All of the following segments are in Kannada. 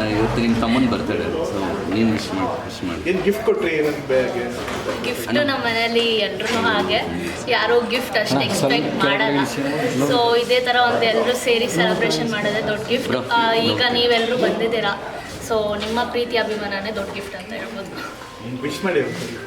ಇವತ್ತು ನಿಮ್ಮ ತಮ್ಮನ ಬರ್ತಡೆ, ಸೊ ನೀನು ವಿಶ್ ಮಾಡಿ. ಏನು ಗಿಫ್ಟ್ ಕೊಟ್ಟರೆ ಏನಂತ ಬ್ಯಾಗ್ಗೆ? ಗಿಫ್ಟ್ ನಮ್ಮ ಮನೇಲಿ ಎಲ್ಲರೂ ಹಾಗೆ ಯಾರೂ ಗಿಫ್ಟ್ ಅಷ್ಟು ಎಕ್ಸ್ಪೆಕ್ಟ್ ಮಾಡಲ್ಲ. ಸೊ ಇದೇ ಥರ ಒಂದು ಎಲ್ಲರೂ ಸೇರಿ ಸೆಲೆಬ್ರೇಷನ್ ಮಾಡೋದೇ ದೊಡ್ಡ ಗಿಫ್ಟ್. ಈಗ ನೀವೆಲ್ಲರೂ ಬಂದಿದ್ದೀರಾ, ಸೊ ನಿಮ್ಮ ಪ್ರೀತಿ ಅಭಿಮಾನನೇ ದೊಡ್ಡ ಗಿಫ್ಟ್ ಅಂತ ಹೇಳ್ಬೋದು. ವಿಶ್ ಮಾಡಿ.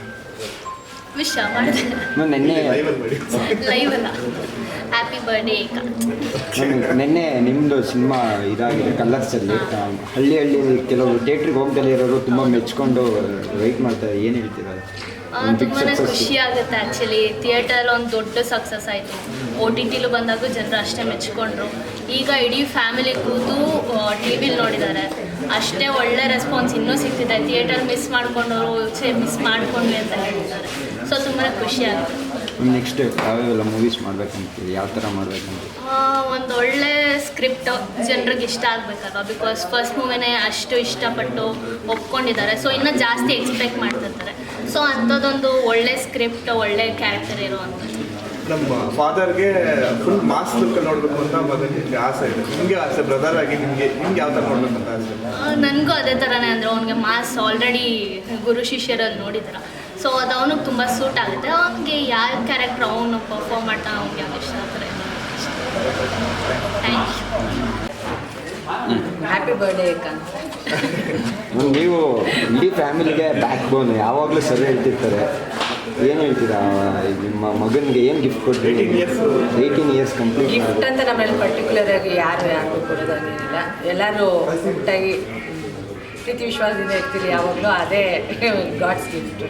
ವಿಶ್ ಮಾಡಿದೆ ನೆನ್ನೆ ಲೈವ್ ಅಲ್ಲ. ಹ್ಯಾಪಿ ಬರ್ಡೇ ನೆನ್ನೆ ನಿಮ್ಮದು ಸಿನಿಮಾ ಇದಾಗಿದೆ ಕಲರ್ಸಲ್ಲಿ. ಹಳ್ಳಿ ಕೆಲವರು ಥಿಯೇಟ್ರಿಗೆ ಹೋಗ್ದಲ್ಲೇ ಇರೋರು ತುಂಬ ಮೆಚ್ಕೊಂಡು ವೆಯ್ಟ್ ಮಾಡ್ತಾರೆ, ಏನು ಹೇಳ್ತೀರಾ? ತುಂಬಾ ಖುಷಿ ಆಗುತ್ತೆ. ಆ್ಯಕ್ಚುಲಿ ಥಿಯೇಟರ್ ಒಂದು ದೊಡ್ಡ ಸಕ್ಸಸ್ ಆಯಿತು. OTTಲು ಬಂದಾಗೂ ಜನರು ಅಷ್ಟೇ ಮೆಚ್ಕೊಂಡ್ರು. ಈಗ ಇಡೀ ಫ್ಯಾಮಿಲಿ ಕೂತು ಟಿ ವಿಲಿ ನೋಡಿದ್ದಾರೆ, ಅಷ್ಟೇ ಒಳ್ಳೆ ರೆಸ್ಪಾನ್ಸ್ ಇನ್ನೂ ಸಿಗ್ತಿದೆ. ಥಿಯೇಟರ್ ಮಿಸ್ ಮಾಡ್ಕೊಂಡವರು ಮಿಸ್ ಮಾಡ್ಕೊಂಡ್ವಿ ಅಂತ ಹೇಳ್ತಿದ್ದಾರೆ. ಸೊ ತುಂಬಾ ಖುಷಿ ಆಗುತ್ತೆ. ನೆಕ್ಸ್ಟ್ ಯಾವ್ಯಾವೆಲ್ಲ ಮೂವೀಸ್ ಮಾಡ್ಬೇಕಂತೀವಿ, ಯಾವ ಥರ ಮಾಡ್ಬೇಕಂತ? ಒಂದು ಒಳ್ಳೆ ಸ್ಕ್ರಿಪ್ಟ್ ಜನರಿಗೆ ಇಷ್ಟ ಆಗಬೇಕಲ್ವ, ಬಿಕಾಸ್ ಫಸ್ಟ್ ಮೂವಿನೇ ಅಷ್ಟು ಇಷ್ಟಪಟ್ಟು ಒಪ್ಕೊಂಡಿದ್ದಾರೆ. ಸೊ ಇನ್ನೂ ಜಾಸ್ತಿ ಎಕ್ಸ್ಪೆಕ್ಟ್ ಮಾಡ್ತಿರ್ತಾರೆ. ಸೊ ಅಂಥದ್ದೊಂದು ಒಳ್ಳೆ ಸ್ಕ್ರಿಪ್ಟ್, ಒಳ್ಳೆ ಕ್ಯಾರೆಕ್ಟರ್ ಇರೋವಂಥದ್ದು. ನಮ್ಮ ಫಾದರ್ಗೆ ಫುಲ್ ಮಾಸ್ ಲುಕ್ ನೋಡಬೇಕು ಅಂತ ಮಗನಿಗೆ ಆಸೆ ಇದೆ. ನಿಮಗೆ ಆಸೆ ಬ್ರದರ್ ಆಗಿ ನಿಮಗೆ ಯಾವ ಥರ ನೋಡ್ಬೇಕು ಅಂತ ಆಸೆ? ನನಗೂ ಅದೇ ಥರನೇ. ಅಂದರೆ ಅವ್ನಿಗೆ ಮಾಸ್ ಆಲ್ರೆಡಿ ಗುರು ಶಿಷ್ಯರಲ್ಲಿ ನೋಡಿದಾರೆ. ಸೊ ಅದು ಅವನಿಗೆ ತುಂಬ ಸೂಟ್ ಆಗುತ್ತೆ. ಅವನಿಗೆ ಯಾವ ಕ್ಯಾರೆಕ್ಟರ್ ಅವನು ಪರ್ಫಾರ್ಮ್ ಮಾಡ್ತಾನೆ, ಅವ್ನಿಗೆ ಯಾವ ಇಷ್ಟ ಆಗ್ತಾರೆ. Thank you. ಹ್ಯಾಪಿ ಬರ್ಡೇ ಏಕಂತ. ನೀವು ಇಡೀ ಫ್ಯಾಮಿಲಿಗೆ ಬ್ಯಾಕ್ ಬೋನ್, ಯಾವಾಗಲೂ ಸರಿ ಹೇಳ್ತಿರ್ತಾರೆ. ಏನು ಹೇಳ್ತೀರಾ ನಿಮ್ಮ ಮಗನಿಗೆ? ಏನು ಗಿಫ್ಟ್ ಕೊಟ್ಟರೆ? 18 ಇಯರ್ಸ್ ಕಂಪ್ಲೀಟ್. ಗಿಫ್ಟ್ ಅಂತ ನಮ್ಮಲ್ಲಿ ಪರ್ಟಿಕ್ಯುಲರ್ ಆಗಿ ಯಾರಿಗೂ ಕೊಡೋದಾಗೇನಿಲ್ಲ. ಎಲ್ಲರೂ ಒಟ್ಟಾಗಿ ಪ್ರೀತಿ ವಿಶ್ವಾಸದಿಂದ ಇರ್ತೀರಿ ಯಾವಾಗಲೂ, ಅದೇ ಗಾಡ್ಸ್ ಗಿಫ್ಟ್.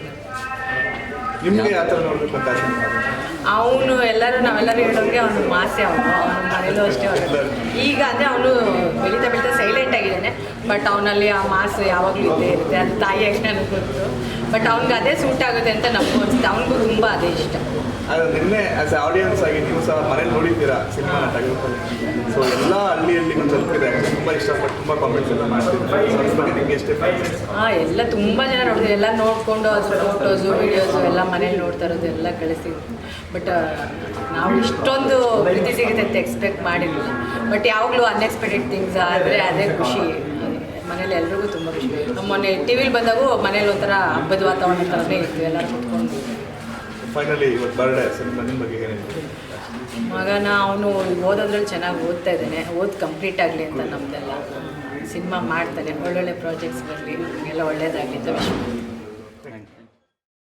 ನಿಮಗೆ ಯಾವ ಥರ ನೋಡಬೇಕು ಅಂತ ಆಸೆ? ಅವನು ನಾವೆಲ್ಲರೂ ಹೇಳೋಂಗೆ ಅವನು ಮಾಸೆ. ಅವನ ಮನೇಲೂ ಅಷ್ಟೇ. ಈಗ ಅಂದರೆ ಅವನು ಬೆಳೀತಾ ಸೈಲೆಂಟ್ ಆಗಿದ್ದಾನೆ, ಬಟ್ ಅವನಲ್ಲಿ ಆ ಮಾಸು ಯಾವಾಗಲೂ ಇದ್ದೇ ಇರುತ್ತೆ. ಅದು ತಾಯಿಯಾಗಿ ನನಗೆ ಗೊತ್ತು, ಬಟ್ ಅವ್ನಿಗೆ ಅದೇ ಸೂಟ್ ಆಗುತ್ತೆ ಅಂತ ನಮಗೂ ಅನಿಸುತ್ತೆ. ಅವನಿಗೂ ತುಂಬ ಅದೇ ಇಷ್ಟ. ಅದು ನಿನ್ನೆ ಆಸ್ ಎ ಆಡಿಯನ್ಸ್ ಆಗಿ ನೀವು ಸಹ ಮನೇಲಿ ನೋಡಿದ್ದೀರಾ ಸಿನಿಮಾನ ತೆಗೆದುಕೊಂಡು. ಸೊ ಎಲ್ಲ ಹಳ್ಳಿಯಲ್ಲಿ ಒಂದು ತಲುಪಿದೆ. ತುಂಬ ಇಷ್ಟಪಟ್ಟು ತುಂಬ ಕಾಮೆಂಟ್ಸ್ ಎಲ್ಲ ಮಾಡ್ತಿದ್ದಾರೆ. ಸೊ ಅದ್ರ ಬಗ್ಗೆ ನಿಮಗೆ ಎಷ್ಟೇ ಎಲ್ಲ ತುಂಬ ಜನ ನೋಡಿದ್ರು. ಎಲ್ಲ ನೋಡಿಕೊಂಡು ಅದು ಫೋಟೋಸು ವಿಡಿಯೋಸು ಎಲ್ಲ ಮನೇಲಿ ನೋಡ್ತಾ ಇರೋದು ಎಲ್ಲ ಕಳಿಸಿದ್ರು. ಬಟ್ ನಾವು ಇಷ್ಟೊಂದು ಪ್ರೀತಿ ಸಿಗುತ್ತೆ ಅಂತ ಎಕ್ಸ್ಪೆಕ್ಟ್ ಮಾಡಿರಲಿಲ್ಲ. ಬಟ್ ಯಾವಾಗಲೂ ಅನ್ಎಕ್ಸ್ಪೆಕ್ಟೆಡ್ ಥಿಂಗ್ಸ್ ಆದರೆ ಅದೇ ಖುಷಿ. ಮನೇಲಿ ಎಲ್ರಿಗೂ ತುಂಬ ಖುಷಿ. ನಮ್ಮ ಮೊನ್ನೆ ಟಿ ವಿಲಿ ಬಂದಾಗೂ ಮನೇಲಿ ಒಂಥರ ಹಬ್ಬದ ವಾತಾವರಣ ಥರನೇ ಇತ್ತು, ಎಲ್ಲ ಕೂತ್ಕೊಂಡು. ಫೈನಲಿ ಇವತ್ತು ಬರ್ಡೇ ಸಿನಿಮಾ ನಿಮ್ಮ ಬಗ್ಗೆ ಏನಿದೆ? ಮಗನ ಅವನು ಓದೋದ್ರಲ್ಲಿ ಚೆನ್ನಾಗಿ ಓದ್ತಾ ಇದ್ದಾನೆ. ಕಂಪ್ಲೀಟ್ ಆಗಲಿ ಅಂತ ನಮ್ಮದೆಲ್ಲ. ಸಿನಿಮಾ ಮಾಡ್ತಾನೆ, ಒಳ್ಳೊಳ್ಳೆ ಪ್ರಾಜೆಕ್ಟ್ಸ್ ಬರಲಿ, ಎಲ್ಲ ಒಳ್ಳೇದಾಗಲಿ ಅಂತ ವಿಶ್ ಮಾಡ್ತೀನಿ.